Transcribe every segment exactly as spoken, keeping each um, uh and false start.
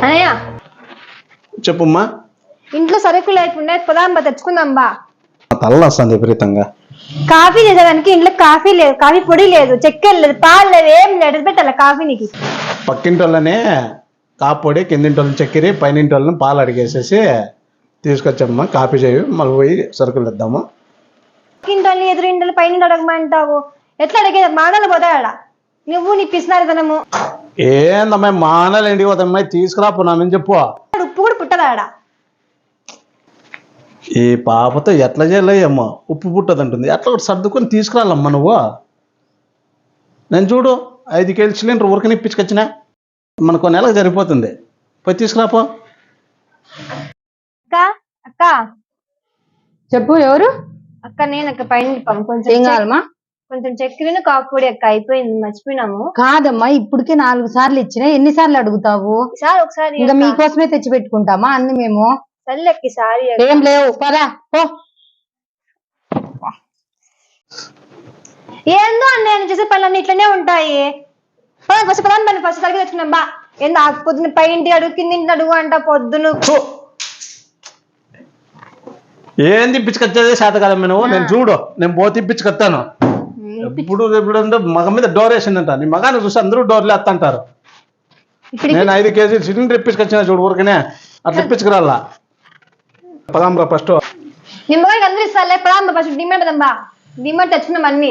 అన్నయ్య చెప్పుమ్మా. ఇంట్లో సరుకులు లేకుండా పొదాంబా తెచ్చుకుందాంబా. తల్ల వస్తుంది విపరీతంగా. కాఫీ చేసేదానికి ఇంట్లో కాఫీ లేదు, కాఫీ పొడి లేదు, చక్కెర లేదు, పాలు లేదు, ఏం లేదు. పెట్టాల కాఫీ నీకు. పక్కింటోళ్ళనే కాఫీ పొడి, కిందింటోళ్ళని చక్కెర, పైనింటోళ్ళని పాలు అడిగేసేసి తీసుకొచ్చమ్మా కాఫీ చేయి, మళ్ళీ పోయి సరుకులు ఇద్దాము. పక్కింటోళ్ళని ఎదురింటోళ్ళు పైన అడగమంటావు, ఎట్లా అడిగేది? మాటలు పోతాడా నువ్వు నీ పిసినారితనము. ఏందమ్మా మానాలు ఇంటికి పోతామ్మా, తీసుకురాపోనామని చెప్పు. ఉప్పు కూడా పుట్టదాడా. ఈ పాపతో ఎట్లా చేయలేమ్మా, ఉప్పు పుట్టదంటుంది. ఎట్లా ఒకటి సర్దుకొని తీసుకురాలమ్మా నువ్వు. నేను చూడు ఐదు కేజీ సిలిండర్ ఊరికి ఇప్పించుకొచ్చిన, మనకు నెలకు సరిపోతుంది. పోయి తీసుకురాపో. అక్క అక్క చెప్పు. ఎవరు? అక్క నేను అక్క పైన కొంచెం ఏం కావాలమ్మా? కొంచెం చక్కెర కాఫీ పొడి అక్క అయిపోయింది, మర్చిపోయినాము. కాదమ్మా, ఇప్పటికే నాలుగు సార్లు ఇచ్చినా, ఎన్నిసార్లు అడుగుతావు? ఈసారి ఒకసారి ఇంకా మీకోసమే తెచ్చి పెట్టుకుంటామా అన్ని మేము. సర్లేకి సారీ. ఏం లేవు పదా పో. ఏందో అన్న నేను చేసే పనులన్నీ ఇట్లనే ఉంటాయి. ఫస్ట్ పదాన్ని పని ఫస్ట్ సరిగ్గా తెచ్చుకున్నాం బా. ఏందో ఆ పొద్దున్న పై ఇంటి అడుగు కింది అడుగు అంట పొద్దును. ఏం తిప్పించుకొచ్చేది శాత కదమ్మా నువ్వు. నేను చూడు నేను పోతే తిప్పించుకొస్తాను. ఇప్పుడు ఇప్పుడు మగ మీద డోర్ వేసిందంట, నీ మగాన్ని చూసి అందరూ డోర్లు వేస్తంటారు. నేను ఐదు కేజీలు సిలిండర్ ఇప్పించుకొచ్చిన చూడు ఊరికనే, అట్లా ఇప్పించుకురాలా. పదాంబా ఫస్ట్. నిమ్మకాయకి అందరూ ఇస్తారులే. పదాంబా ఫస్ట్ డిమాండ్ పదంబా. డిమాండ్ తెచ్చుకున్నాం అన్ని.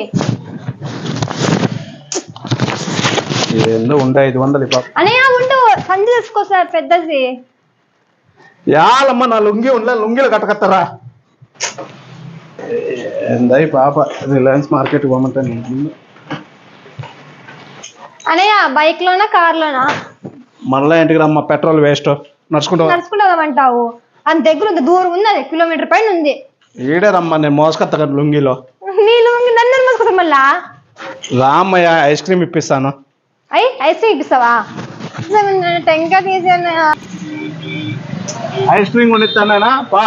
ఏందో ఉండే ఐదు వందలు పాప. అనే ఉండు సంచి తీసుకో సార్ పెద్దది. యాలమ్మ నా లుంగి ఉండలే, లుంగిలు కట్టకత్తరా. ఏందా పాప రిలయన్స్ మార్కెట్ పోమంటే అనయ్య బైక్ లోనా కార్ లోనా? మళ్ళా ఇంటికి రమ్మ, పెట్రోల్ వేస్ట్. నడుచుకుంటా నడుచుకుంటామంటావు? అంత దగ్గర ఉంది, దూరం ఉంది, అది కిలోమీటర్ పైన ఉంది. ఈడే రమ్మా, నేను మోసుకొత్త కదా లుంగిలో. నీ లుంగి నన్ను మోసుకొస్తా మళ్ళా. రామయ్య ఐస్ క్రీమ్ ఇప్పిస్తాను. అయ్యి ఐస్ క్రీమ్ ఇప్పిస్తావా? టెంకాయ తీసి అన్నయ్య ఐస్ క్రీమ్ కొనిస్తానా పా.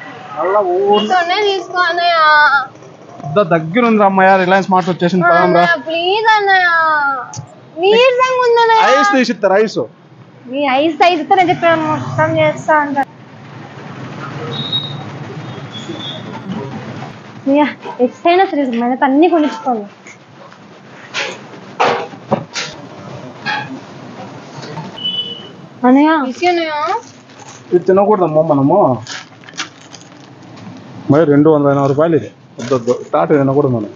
తీసుకో అన్నయ్య. దగ్గర ఉంది రమ్మయ్య, రిలయన్స్ మార్ట్ వచ్చేసింది. ప్లీజ్ అన్నయ్య, నీరసంగా ఉందన్నయ్య. ఐస్ తీసిస్తారు. ఐస్ నీ ఐస్ ఐస్ ఇస్తే నేను చెప్పాను మొత్తం చేస్తా అంట. ఎక్స్టైనా సరే మన అన్ని కొనిచ్చుకోండి. అన్నయ్య ఇది తినకూడదమ్మా మనము. మరి రెండు వందల ఎనభై రూపాయలు ఇది. వద్దొద్దు, స్టార్ట్ తినకూడదు మనం.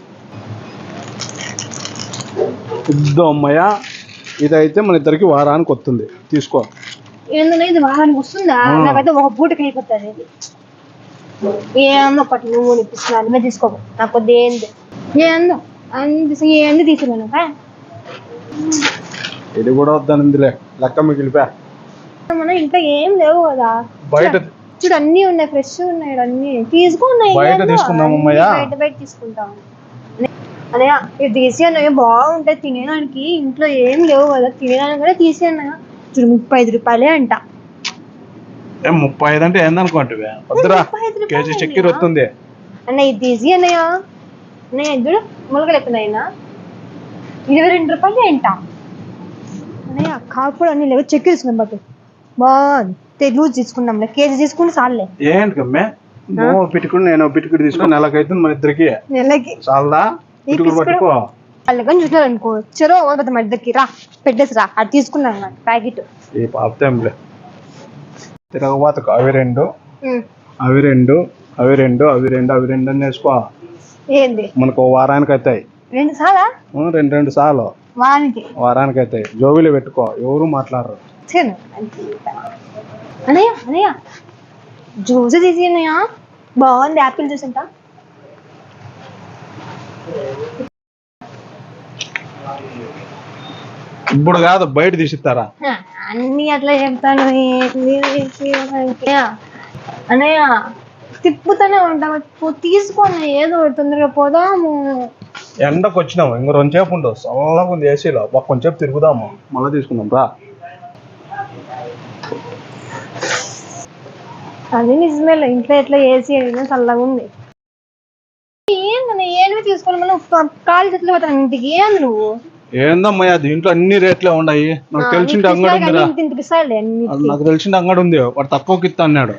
వద్దు అమ్మయ్య, ఇదైతే మన ఇద్దరికి వారానికి వస్తుంది. తీసుకో. ఏందన్నా ఇది వారానికి వస్తుందా? నాకైతే ఒక పూటకి అయిపోతుంది. ఏందో పట్టు నువ్వు ఇప్పిస్తున్నా అన్నీ తీసుకో. నాకు కొద్ది ఏంది ఏందో అన్ని ఏంది తీసుకున్నాను. ఇది కూడా వద్దనిందిలే, లెక్క మిగిలిపా. మన ఇంట్లో ఏం లేవు కదా, బయట చూడు అన్ని ఉన్నాయి, ఫ్రెష్ ఉన్నాయి, అన్ని తీసుకున్నాయి. బయట తీసుకుందాం అమ్మయ్య, బయట బయట తీసుకుంటాం అన్నయ్య. ఇది తీసి అన్నయ్య బాగుంటాయి తినేదానికి. ఇంట్లో ఏం లేవు కదా తినేదానికి కూడా తీసి అన్నయ్య. చూడు ముప్పై ఐదు రూపాయలే అంట. ముప్పై ఐదు అంటే ఏందనుకోంటివే? వద్దురా, కేజీ చక్కెర వస్తుంది అన్నయ్య. ఇది తీసి అన్నయ్య. అన్నయ్య చూడు మొలకలు ఎత్తున్నాయినా, ఇరవై రెండు రూపాయలు ఏంట అన్నయ్య. కాకపోతే అన్ని లేవు, చక్కెర తీసుకున్నాం బట్ బాగుంది. లూజ్ తీసుకున్నాంలే, కేజీ తీసుకుంటే చాలే. ఏంటి కమ్మే నువ్వు పిట్టుకుని నేను పిట్టుకుని తీసుకుని నెలకైతుంది మన ఇద్దరికి. నెలకి చాలదా? పట్టుకో. వాళ్ళు కానీ చూసినారు అనుకో, చెరో మన ఇద్దరికి రా పెట్టేసి రా. అది తీసుకున్నాను ప్యాకెట్. ఈ పాపతేంలే తిరగబాతకు. అవి రెండు అవి రెండు అవి రెండు అవి రెండు అవి రెండు అని వేసుకో. ఏంది మనకు వారానికి అవుతాయి. రెండు సాలా? రెండు రెండు సార్లు వారానికి వారానికి అవుతాయి. జోబీలు పెట్టుకో, ఎవరు మాట్లాడరు. అన్నయ్య అన్నయ్య జ్యూస్ తీసి అన్నయ్య బాగుంది. యాపిల్ జ్యూస్ ఎంత? ఇప్పుడు కాదు, బయట తీసిస్తారా అన్ని అట్లా చెప్తాను. అన్నయ్య తిప్పుతూనే ఉంటాము, తీసుకొని ఏదో తొందరగా పోదాము. ఎండకు వచ్చినాము, ఇంకో రెండు సేపు ఉండవు. చల్లగా ఉంది ఏసీలో, కొంచెంసేపు తిరుగుదాము, మళ్ళీ తీసుకుందాం రా. అది నిజమే, ఇంట్లో ఎట్లా ఏసీ అయినా చల్లగా ఉంది. ఏంటన్నా ఏమి తీసుకోవాలి, మళ్ళీ కాలు చేతులు పోతాను ఇంటికి. ఏంది నువ్వు ఏందమ్మయ్యా దీంట్లో అన్ని రేట్లే ఉన్నాయి నాకు తెలిసింది అంగడి ఉందిరా నాకు తెలిసింది అంగడి ఉంది వాడు తక్కువకి ఇస్తా అన్నాడు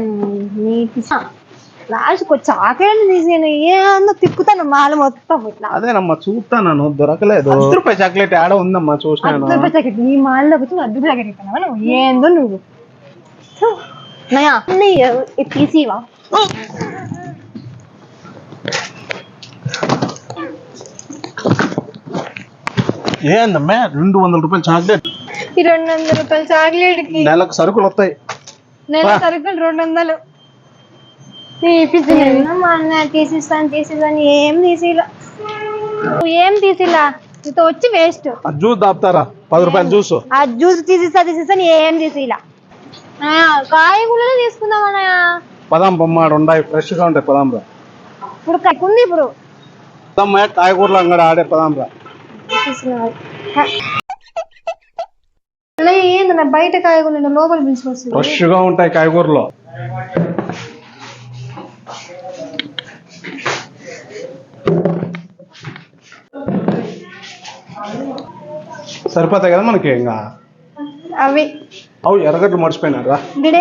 లాస్ట్ చాక్లెట్ తీసాను ఏమన్నా తిప్పుతాను మాల మొత్తం ఇట్లా అదేనమ్మా చూస్తాను దొరకలేదు అర్ధ రూపాయి చాక్లెట్ ఆడ ఉందమ్మా చూసాను అర్ధ రూపాయి చాక్లెట్ నీ మాల్లో వచ్చి అర్ధ రూపాయి చాక్లెట్ ఇస్తాను నువ్వు ఏందో నువ్వు నయా తీసివా ఏందమ్మా రెండు వందల రూపాయలు చాక్లెట్ ఈ రెండు వందల రూపాయల చాక్లెట్ కి నెలకు సరుకులు వస్తాయి నెల సరుకులు రెండు వందలు మా అన్న తీసిస్తాను తీసిస్తాను ఏం తీసిలా ఏం తీసిలా నీతో వచ్చి వేస్ట్ జ్యూస్ దాపుతారా పది రూపాయలు జ్యూస్ ఆ జ్యూస్ తీసిస్తా తీసిస్తాను ఏం తీసిలా కాయగూరలు తీసుకుందామన్నా పదాం బొమ్మ ఉన్నాయి ఫ్రెష్ గా ఉంటాయి పదాం రా ఇప్పుడు కక్కుంది ఇప్పుడు కాయగూరలు అంగడి ఆడే పదాం రా ఏందన్నా బయట కాయగూరలు లోపల పిలుచుకొస్తుంది ఫ్రెష్ గా ఉంటాయి కాయగూరలు సరిపోతాయి కదా మనకి ఇంకా అవి అవు ఎర్రగడ్డలు మర్చిపోయినారా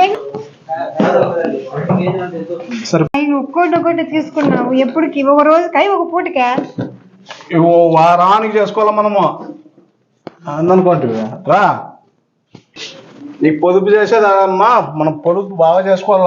ఒక్కోటి ఒక్కోటి తీసుకున్నావు ఎప్పటికి ఒక రోజుకి ఒక పూటకే ఇవో వారానికి చేసుకోవాలా మనము అందనుకోండి రా నీకు పొదుపు చేసేదమ్మా మనం పొదుపు బాగా చేసుకోవాలి